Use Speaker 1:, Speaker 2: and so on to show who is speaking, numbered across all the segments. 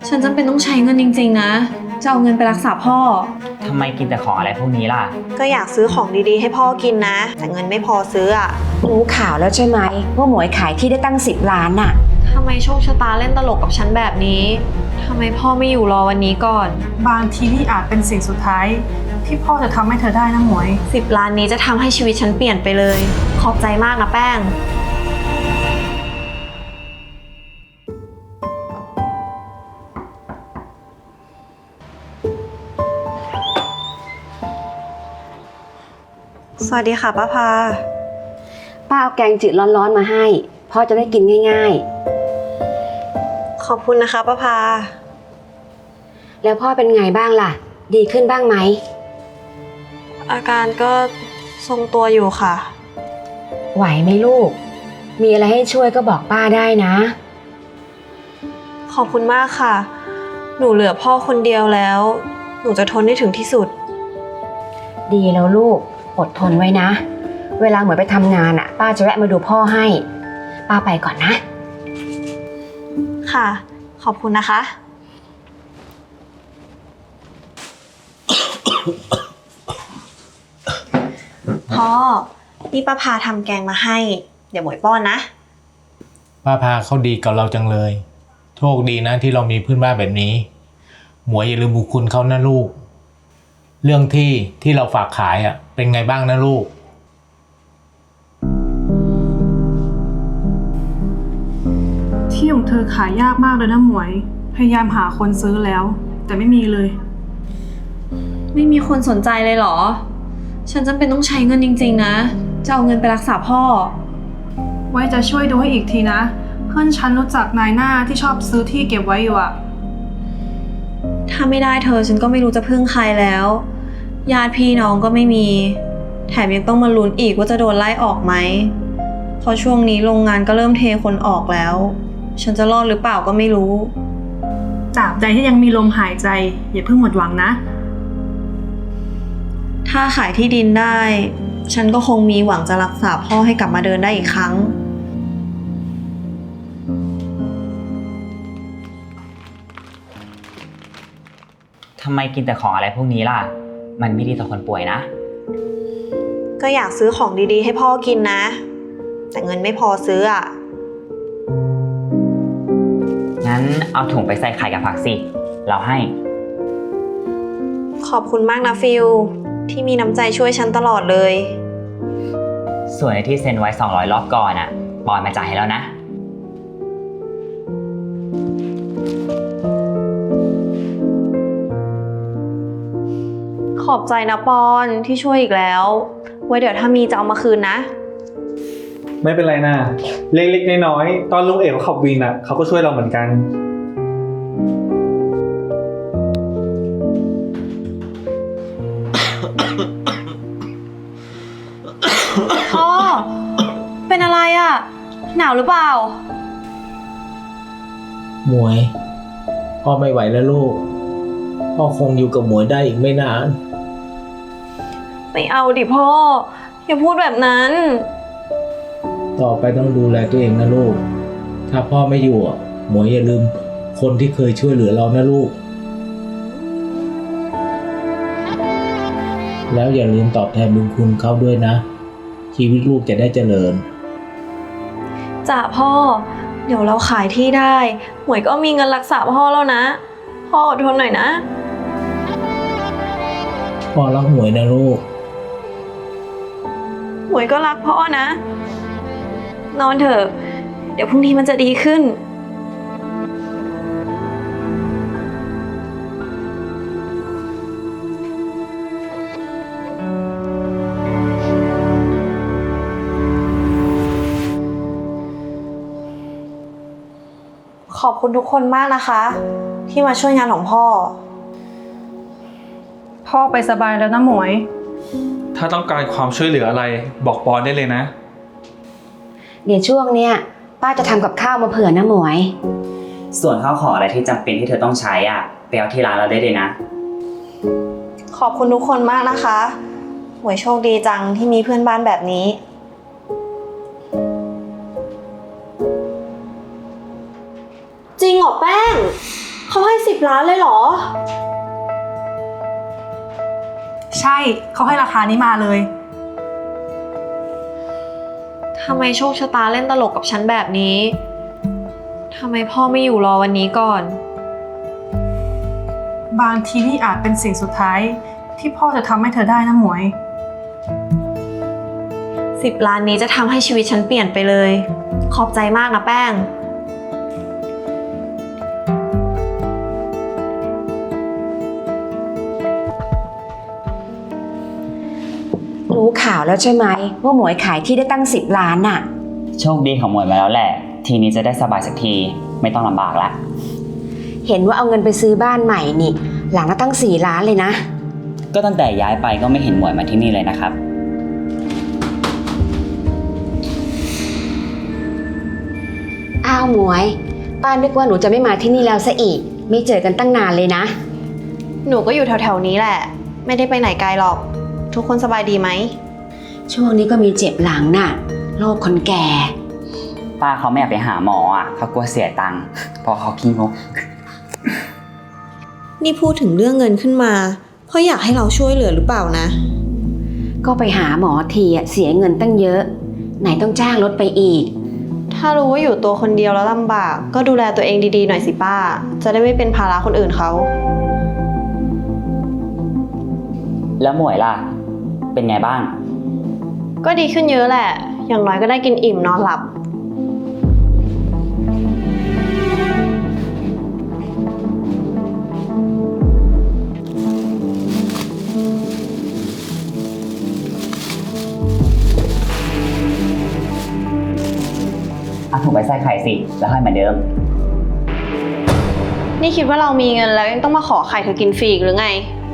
Speaker 1: ฉันจำเป็นต้องใช้เงินจริงๆนะจะเอาเงินไปรักษาพ่อ
Speaker 2: ทำไมกินแต่ของอะไรพวกนี้ล่ะ
Speaker 3: ก็อยากซื้อของดีๆให้พ่อกินนะแต่เงินไม่พอซื้ออะ
Speaker 4: รู้ข่าวแล้วใช่ไหมว่าหมวยขายที่ได้ตั้ง10 ล้านน่ะ
Speaker 1: ทำไมโชคชะตาเล่นตลกกับฉันแบบนี้ทำไมพ่อไม่อยู่รอวันนี้ก่อน
Speaker 5: บางทีนี่อาจเป็นสิ่งสุดท้ายที่พ่อจะทำให้เธอได้นะหมวย
Speaker 1: 10 ล้านนี้จะทำให้ชีวิตฉันเปลี่ยนไปเลยขอบใจมากนะแป้งสวัสดีค่ะป้าพา
Speaker 4: ป้าเอาแกงจืดร้อนๆมาให้พ่อจะได้กินง่าย
Speaker 3: ขอบคุณนะคะป้าพา
Speaker 4: ๆแล้วพ่อเป็นไงบ้างล่ะดีขึ้นบ้างไหม
Speaker 3: อาการก็ทรงตัวอยู่ค่ะ
Speaker 4: ไหวไหมลูกมีอะไรให้ช่วยก็บอกป้าได้นะ
Speaker 3: ขอบคุณมากค่ะหนูเหลือพ่อคนเดียวแล้วหนูจะทนได้ถึงที่สุด
Speaker 4: ดีแล้วลูกอดทนไว้นะเวลาเหมือนไปทำงานป้าจะแวะมาดูพ่อให้ป้าไปก่อนนะ
Speaker 3: ค่ะขอบคุณนะคะพ่อนี่ป้าพาทำแกงมาให้เดี๋ยวหมวยป้อนนะ
Speaker 6: ป้าพาเขาดีกับเราจังเลยโชคดีนะที่เรามีเพื่อนบ้านแบบนี้หมวยอย่าลืมบุญคุณเขานะลูกเรื่องที่เราฝากขายเป็นไงบ้างนะลูก
Speaker 5: ที่ของเธอขายยากมากเลยนะหมวยพยายามหาคนซื้อแล้วแต่ไม่มีเลย
Speaker 1: ไม่มีคนสนใจเลยเหรอฉันจำเป็นต้องใช้เงินจริงๆนะจะเอาเงินไปรักษาพ่อ
Speaker 5: ไว้จะช่วยดูให้อีกทีนะเพื่อนฉันรู้จักนายหน้าที่ชอบซื้อที่เก็บไว้อยู่
Speaker 1: ถ้าไม่ได้เธอฉันก็ไม่รู้จะพึ่งใครแล้วญาติพี่น้องก็ไม่มีแถมยังต้องมาลุ้นอีกว่าจะโดนไล่ออกไหมเพราะช่วงนี้โรงงานก็เริ่มเทคนออกแล้วฉันจะรอดหรือเปล่าก็ไม่รู้
Speaker 5: ตราบใดที่ยังมีลมหายใจอย่าเพิ่งหมดหวังนะ
Speaker 1: ถ้าขายที่ดินได้ฉันก็คงมีหวังจะรักษาพ่อให้กลับมาเดินได้อีกครั้ง
Speaker 2: ทำไมกินแต่ของอะไรพวกนี้ล่ะมันไม่ดีต่อคนป่วยนะ
Speaker 3: ก็อยากซื้อของดีๆให้พ่อกินนะแต่เงินไม่พอซื้ออะ
Speaker 2: งั้นเอาถุงไปใส่ไข่กับผักสิเราให้
Speaker 3: ขอบคุณมากนะฟิลที่มีน้ำใจช่วยฉันตลอดเลย
Speaker 2: ส่วนในที่เซ็นไว้200รอบก่อนปอนมาจ่ายให้แล้วนะ
Speaker 3: ขอบใจนะปอนที่ช่วยอีกแล้วไว้เดี๋ยวถ้ามีจะเอามาคืนนะ
Speaker 7: ไม่เป็นไรนะเล็กๆน้อยๆตอนลุงเอกเขาขับวินเขาก็ช่วยเราเหมือนกัน
Speaker 1: พ่อเป็นอะไรหนาวหรือเปล่า
Speaker 6: หมวยพ่อไม่ไหวแล้วลูกพ่อคงอยู่กับหมวยได้อีกไม่นาน
Speaker 1: ไม่เอาดิพ่ออย่าพูดแบบนั้น
Speaker 6: ต่อไปต้องดูแลตัวเองนะลูกถ้าพ่อไม่อยู่หมวยอย่าลืมคนที่เคยช่วยเหลือเรานะลูกแล้วอย่าลืมตอบแทนบุญคุณเขาด้วยนะชีวิตลูกจะได้เจริญ
Speaker 1: จ้ะพ่อเดี๋ยวเราขายที่ได้หมวยก็มีเงินรักษาพ่อแล้วนะพ่ออดทนหน่อยนะ
Speaker 6: พ่อรักหมวยนะลูก
Speaker 1: หมวยก็รักพ่อนะนอนเถอะเดี๋ยวพรุ่งนี้มันจะดีขึ้น
Speaker 3: ขอบคุณทุกคนมากนะคะที่มาช่วยงานของพ่อ
Speaker 5: พ่อไปสบายแล้วนะหมวย
Speaker 7: ถ้าต้องการความช่วยเหลืออะไรบอกปอนได้เลยนะ
Speaker 4: เดี๋ยวช่วงเนี้ยป้าจะทำกับข้าวมาเผื่อนะหมวย
Speaker 2: ส่วนข้าวของอะไรที่จำเป็นที่เธอต้องใช้ไปเอาที่ร้านเราได้เลยนะ
Speaker 3: ขอบคุณทุกคนมากนะคะหมวยโชคดีจังที่มีเพื่อนบ้านแบบนี้
Speaker 1: จริงเหรอแป้งเขาให้
Speaker 3: 10 ล้านเลยเหรอ
Speaker 5: ใช่เขาให้ราคานี้มาเลย
Speaker 1: ทำไมโชคชะตาเล่นตลกกับฉันแบบนี้ ทำไมพ่อไม่อยู่รอวันนี้ก่อน
Speaker 5: บางทีนี่อาจเป็นสิ่งสุดท้ายที่พ่อจะทำให้เธอได้นะหมวย
Speaker 1: 10 ล้านนี้จะทำให้ชีวิตฉันเปลี่ยนไปเลย ขอบใจมากนะแป้ง
Speaker 4: รู้ข่าวแล้วใช่ไหมว่าหมวยขายที่ได้ตั้ง10 ล้านน่ะ
Speaker 2: โชคดีของหมวยมาแล้วแหละ ทีนี้จะได้สบายสักที ไม่ต้องลำบากละ
Speaker 4: เห็นว่าเอาเงินไปซื้อบ้านใหม่นี่ หลังละตั้ง4 ล้านเลยนะ
Speaker 2: ก็ตั้งแต่ย้ายไปก็ไม่เห็นหมวยมาที่นี่เลยนะครับ
Speaker 4: อ้าวหมวย ป้านึกว่าหนูจะไม่มาที่นี่แล้วซะอีก ไม่เจอกันตั้งนานเลยนะ
Speaker 1: หนูก็อยู่แถวๆนี้แหละ ไม่ได้ไปไหนไกลหรอก ทุกคนสบายดีไหม
Speaker 4: ช่วงนี้ก็มีเจ็บหลังน่ะโรคคนแก่
Speaker 2: ป้าเขาไม่อยากไปหาหมออ่ะเขากลัวเสียตังค์เพราะเขาขี้งก
Speaker 1: นี่พูดถึงเรื่องเงินขึ้นมา เพราะอยากให้เราช่วยเหลือหรือเปล่านะ
Speaker 4: ก็ไปหาหมอทีอะเสียเงินตั้งเยอะ ไหนต้องจ้างรถไปอีก
Speaker 1: ถ้ารู้ว่าอยู่ตัวคนเดียวแล้วลำบาก ก็ดูแลตัวเองดีๆหน่อยสิป้า จะได้ไม่เป็นภาระคนอื่นเขา
Speaker 2: แล้วหมวยล่ะ เป็นไงบ้าง
Speaker 1: ก็ดีขึ้นเยอะแหละ อย่างน้อยก็ได้กินอิ่มนอนหลับ
Speaker 2: เอาถุงไปใส่ไข่สิ แล้วให้เหมือนเดิม
Speaker 1: นี่คิดว่าเรามีเงินแล้วยังต้องมาขอไข่เธอกินฟรีอีกหรือไง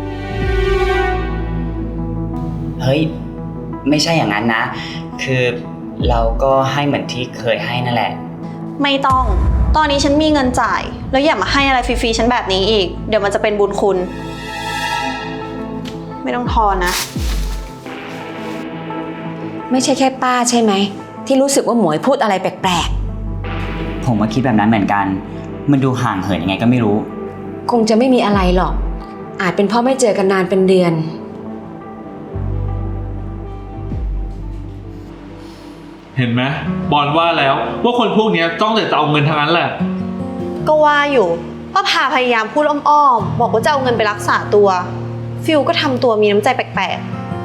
Speaker 2: เฮ้ย ไม่ใช่อย่างนั้นนะ คือเราก็ให้เหมือนที่เคยให้นั่นแหละ
Speaker 1: ไม่ต้อง ตอนนี้ฉันมีเงินจ่าย แล้วอย่ามาให้อะไรฟรีๆฉันแบบนี้อีก เดี๋ยวมันจะเป็นบุญคุณ ไม่ต้องทอนนะ
Speaker 4: ไม่ใช่แค่ป้าใช่ไหม ที่รู้สึกว่าหมวยพูดอะไรแปลก
Speaker 2: ผมก็คิดแบบนั้นเหมือนกัน มันดูห่างเหินยังไงก็ไม่รู้
Speaker 4: ๆ คงจะไม่มีอะไรหรอก อาจเป็นเพราะไม่เจอกันนานเป็นเดือน
Speaker 7: เห็นไหมบอลว่าแล้วว่าคนพวกนี้จ้องแต่จะเอาเงินทั้งนั้นแหละ
Speaker 1: ก็ว่าอยู่ป้าพาพยายามพูดอ้อมๆบอกว่าจะเอาเงินไปรักษาตัว ฟิลก็ทำตัวมีน้ำใจแปลก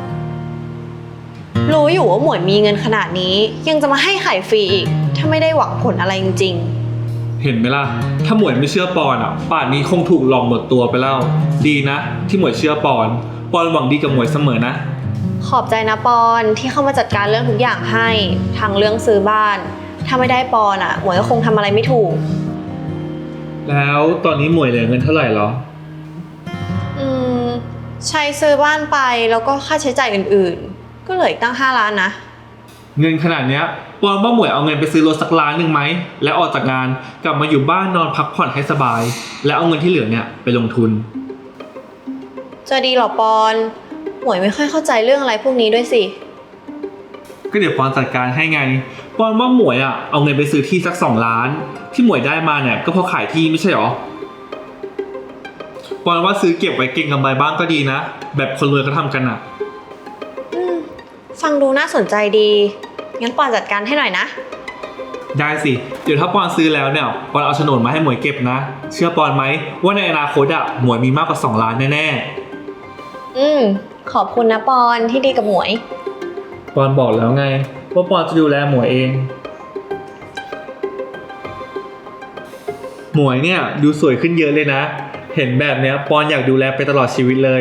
Speaker 1: ๆ รู้อยู่ว่าหมวยมีเงินขนาดนี้ ยังจะมาให้ไข่ฟรีอีก ถ้าไม่ได้หวังผลอะไรจริง
Speaker 7: เห็นไหมล่ะ ถ้าหมวยไม่เชื่อปอนอ่ะ ป่านนี้คงถูกหลอกหมดตัวไปแล้ว ดีนะ ที่หมวยเชื่อปอนหวังดีกับหมวยเสมอนะ
Speaker 1: ๆ ขอบใจนะปอนที่เข้ามาจัดการเรื่องทุกอย่างให้ทางเรื่องซื้อบ้าน ถ้าไม่ได้ปอนอ่ะหมวยก็คงทำอะไรไม่ถูก
Speaker 7: แล้วตอนนี้หมวยเหลือเงินเท่าไหร่หรอ
Speaker 1: ใช้ซื้อบ้านไปแล้วก็ค่าใช้จ่ายอื่นๆ ก็เหลืออีกตั้ง5 ล้านนะ
Speaker 7: เงินขนาดเนี้ยปอนว่าหมวยเอาเงินไปซื้อรถสักล้านหนึ่งไหมแล้วออกจากงานกลับมาอยู่บ้านนอนพักผ่อนให้สบาย แล้วเอาเงินที่เหลือเนี่ยไปลงทุน
Speaker 1: จะดีเหรอปอนหมวยไม่ค่อยเข้าใจเรื่องอะไรพวกนี้ด้วยสิ
Speaker 7: ก็เดี๋ยวปอนจัดการให้ไงปอนว่าหมวยอ่ะเอาเงินไปซื้อที่สัก2 ล้าน ที่หมวยได้มาเนี่ยก็เพราะขายที่ไม่ใช่หรอปอนว่าซื้อเก็บไว้เก็งกำไรบ้างก็ดีนะแบบคนรวยเขาทำกันอ่ะ
Speaker 1: ฟังดูน่าสนใจดี งั้นปอนจัดการให้หน่อยนะ
Speaker 7: ได้สิเดี๋ยวถ้าปอนซื้อแล้วเนี่ยปอนเอาโฉนดมาให้หมวยเก็บนะ เชื่อปอนไหมว่าในอนาคตอ่ะหมวยมีมากกว่า2 ล้านแน่
Speaker 1: ขอบคุณนะปอนที่ดีกับหมวย
Speaker 7: ๆปอนบอกแล้วไงว่าปอนจะดูแลหมวยเอง หมวยเนี่ยดูสวยขึ้นเยอะเลยนะ เห็นแบบเนี้ยปอนอยากดูแลไปตลอดชีวิตเลย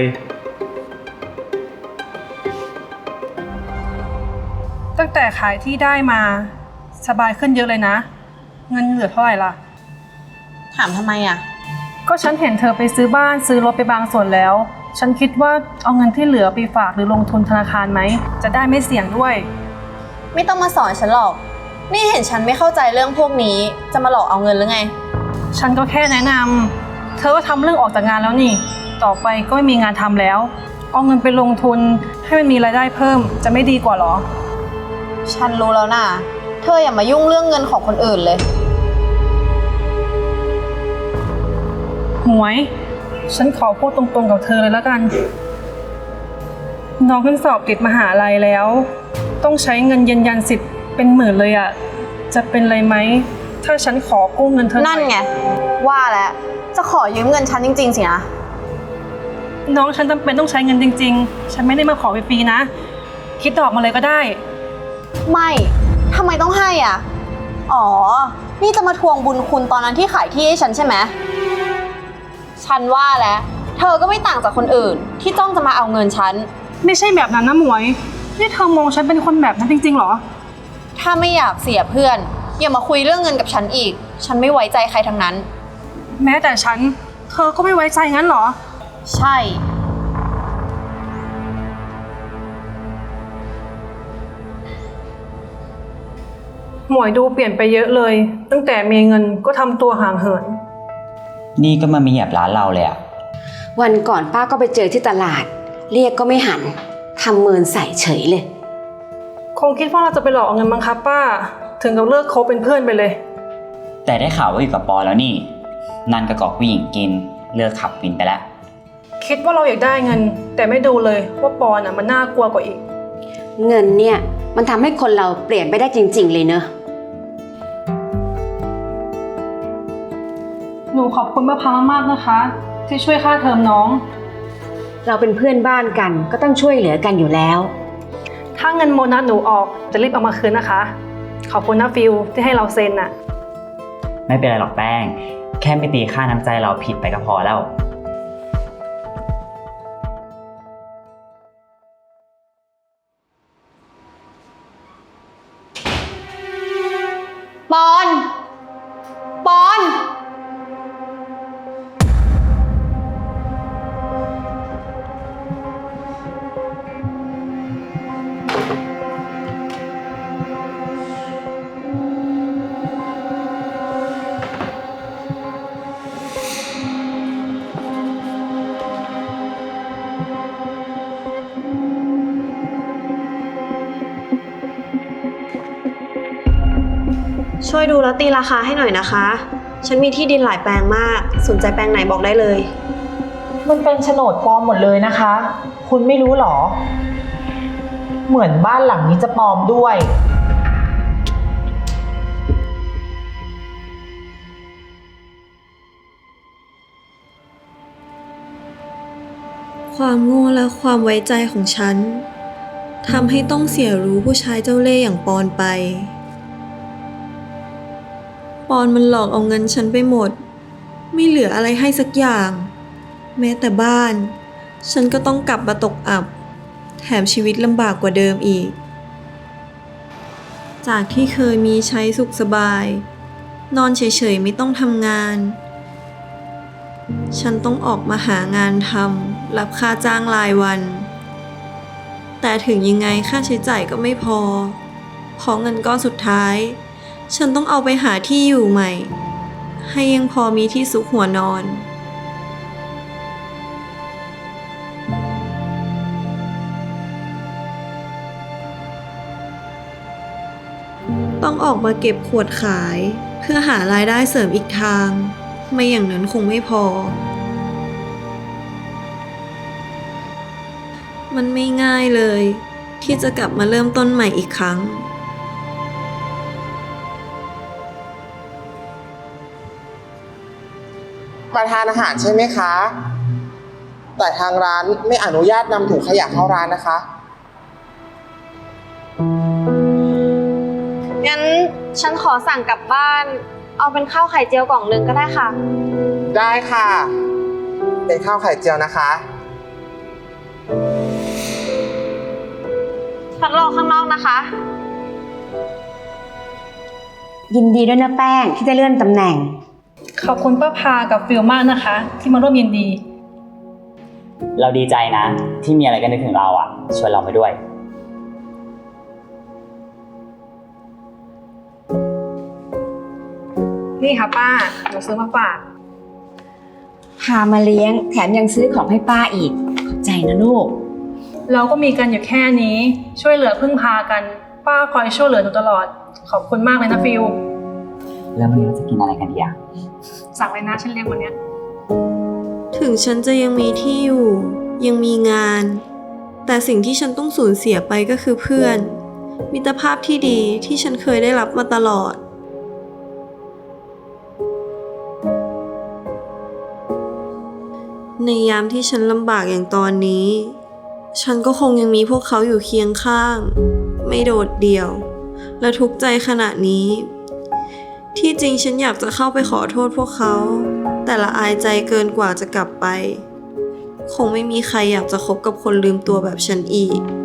Speaker 5: ตั้งแต่ขายที่ได้มาสบายขึ้นเยอะเลยนะ เงินเหลือเท่าไหร่ล่ะ
Speaker 1: ถามทำไมอ่ะ
Speaker 5: ก็ฉันเห็นเธอไปซื้อบ้านซื้อรถไปบางส่วนแล้ว ฉันคิดว่าเอาเงินที่เหลือไปฝากหรือลงทุนธนาคารไหม จะได้ไม่เสี่ยงด้วย
Speaker 1: ไม่ต้องมาสอนฉันหรอก นี่เห็นฉันไม่เข้าใจเรื่องพวกนี้ จะมาหลอกเอาเงินหรือไง
Speaker 5: ฉันก็แค่แนะนำเธอก็ทำเรื่องออกจากงานแล้วนี่ ต่อไปก็ไม่มีงานทำแล้ว เอาเงินไปลงทุนให้มันมีรายได้เพิ่มจะไม่ดีกว่าหรอ
Speaker 1: ฉันรู้แล้วน่ะ เธออย่ามายุ่งเรื่องเงินของคนอื่นเลย
Speaker 5: หมวย ฉันขอพูดตรงๆกับเธอเลยแล้วกัน น้องเพิ่งสอบติดมหาลัยแล้ว ต้องใช้เงินยืนยันสิทธิ์เป็นหมื่นเลยอะจะเป็นไรไหมถ้าฉันขอกู้เงินเธอหอย
Speaker 3: นั่นไง ว่าแล้วจะขอยืมเงินฉันจริงๆสินะ
Speaker 5: น้องฉันจำเป็นต้องใช้เงินจริงๆ ฉันไม่ได้มาขอฟรีๆนะ คิดดอกมาเลยก็ได้
Speaker 3: ไม่ทำไมต้องให้อ่ะ อ๋อ นี่จะมาทวงบุญคุณตอนนั้นที่ขายที่ให้ฉันใช่ไหม ฉันว่าแล้วเธอก็ไม่ต่างจากคนอื่นที่จ้องจะมาเอาเงินฉัน
Speaker 5: ไม่ใช่แบบนั้นนะหมวย นี่เธอมองฉันเป็นคนแบบนั้นจริงๆเหรอ
Speaker 3: ถ้าไม่อยากเสียเพื่อนอย่ามาคุยเรื่องเงินกับฉันอีก ฉันไม่ไว้ใจใครทั้งนั้น
Speaker 5: แม้แต่ฉัน เธอก็ไม่ไว้ใจงั้นเหรอ
Speaker 3: ใช่
Speaker 5: หมวยดูเปลี่ยนไปเยอะเลย ตั้งแต่มีเงินก็ทำตัวห่างเหิน
Speaker 2: นี่ก็มามีแอบร้านเราเลยอะ
Speaker 4: วันก่อนป้าก็ไปเจอที่ตลาด เรียกก็ไม่หันทำเมินใส่เฉยเลย
Speaker 5: คงคิดว่าเราจะไปหลอกเอาเงินมั้งคะป้า ถึงกับเลิกคบเป็นเพื่อนไปเลย
Speaker 2: แต่ได้ข่าวว่าอยู่กับปอแล้วนี่ นันกระกอกผู้หญิงกินเลิกขับวินไปแล้ว
Speaker 5: คิดว่าเราอยากได้เงิน แต่ไม่ดูเลยว่าปอนมันน่ากลัวกว่าอีก
Speaker 4: เงินเนี่ยมันทำให้คนเราเปลี่ยนไปได้จริงๆเลยเนอะ
Speaker 5: หนูขอบคุณมะพร้าวมากนะคะ ที่ช่วยค่าเทอมน้อง
Speaker 4: เราเป็นเพื่อนบ้านกันก็ต้องช่วยเหลือกันอยู่แล้ว
Speaker 5: ถ้าเงินโบนัสหนูออกจะรีบเอามาคืนนะคะ ขอบคุณนะฟิลที่ให้เราเซ็นน่ะ
Speaker 2: ไม่เป็นไรหรอกแป้ง แค่ไม่ตีค่าน้ำใจเราผิดไปก็พอแล้ว
Speaker 3: ปอน ปอน
Speaker 1: ช่วยดูแล้วตีราคาให้หน่อยนะคะ ฉันมีที่ดินหลายแปลงมาก สนใจแปลงไหนบอกได้เลย
Speaker 8: มันเป็นโฉนดปลอมหมดเลยนะคะ คุณไม่รู้หรอ เหมือนบ้านหลังนี้จะปลอมด้วย
Speaker 1: ความโง่และความไว้ใจของฉันทำให้ต้องเสียรู้ผู้ชายเจ้าเล่ห์อย่างปอนไป ปอนมันหลอกเอาเงินฉันไปหมด ไม่เหลืออะไรให้สักอย่าง แม้แต่บ้าน ฉันก็ต้องกลับมาตกอับ แถมชีวิตลำบากกว่าเดิมอีก จากที่เคยมีใช้สุขสบาย นอนเฉยๆไม่ต้องทำงาน ฉันต้องออกมาหางานทำรับค่าจ้างรายวัน แต่ถึงยังไงค่าใช้จ่ายก็ไม่พอเงินก้อนสุดท้าย ฉันต้องเอาไปหาที่อยู่ใหม่ ให้ยังพอมีที่ซุกหัวนอน ต้องออกมาเก็บขวดขายเพื่อหารายได้เสริมอีกทาง ไม่อย่างนั้นคงไม่พอ มันไม่ง่ายเลยที่จะกลับมาเริ่มต้นใหม่อีกครั้ง
Speaker 9: มาทานอาหารใช่ไหมคะ แต่ทางร้านไม่อนุญาตนำถุงขยะเข้าร้านนะคะ
Speaker 3: งั้นฉันขอสั่งกลับบ้าน เอาเป็นข้าวไข่เจียวกล่องนึงก็ได้ค่ะ
Speaker 9: ได้ค่ะ เป็นข้าวไข่เจียวนะคะ
Speaker 3: ฉันรอข้างนอกนะคะ
Speaker 4: ยินดีด้วยนะแป้งที่ได้เลื่อนตำแหน่ง
Speaker 5: ขอบคุณป้าพากับฟิลมากนะคะ ที่มาร่วมยินดี
Speaker 2: เราดีใจนะ ที่มีอะไรกันนึกถึงเราอ่ะชวนเราไปด้วย
Speaker 5: นี่ค่ะป้าหนูซื้อมาฝาก
Speaker 4: พามาเลี้ยงแถมยังซื้อของให้ป้าอีกขอบใจนะลูก
Speaker 5: เราก็มีกันอยู่แค่นี้ ช่วยเหลือพึ่งพากัน ป้าคอยช่วยเหลือหนูตลอด ขอบคุณมากเลยนะฟิล
Speaker 2: แล้ววันนี้เราจะกินอะไรกันดีอ่ะ
Speaker 5: สั่งเลยนะฉันเลี้ยงวันเนี้ย
Speaker 1: ถึงฉันจะยังมีที่อยู่ ยังมีงาน แต่สิ่งที่ฉันต้องสูญเสียไปก็คือเพื่อน มิตรภาพที่ดีที่ฉันเคยได้รับมาตลอด ในยามที่ฉันลำบากอย่างตอนนี้ ฉันก็คงยังมีพวกเขาอยู่เคียงข้าง ไม่โดดเดี่ยว และทุกข์ใจขณะนี้ ที่จริงฉันอยากจะเข้าไปขอโทษพวกเขา แต่ละอายใจเกินกว่าจะกลับไป คงไม่มีใครอยากจะคบกับคนลืมตัวแบบฉันอีก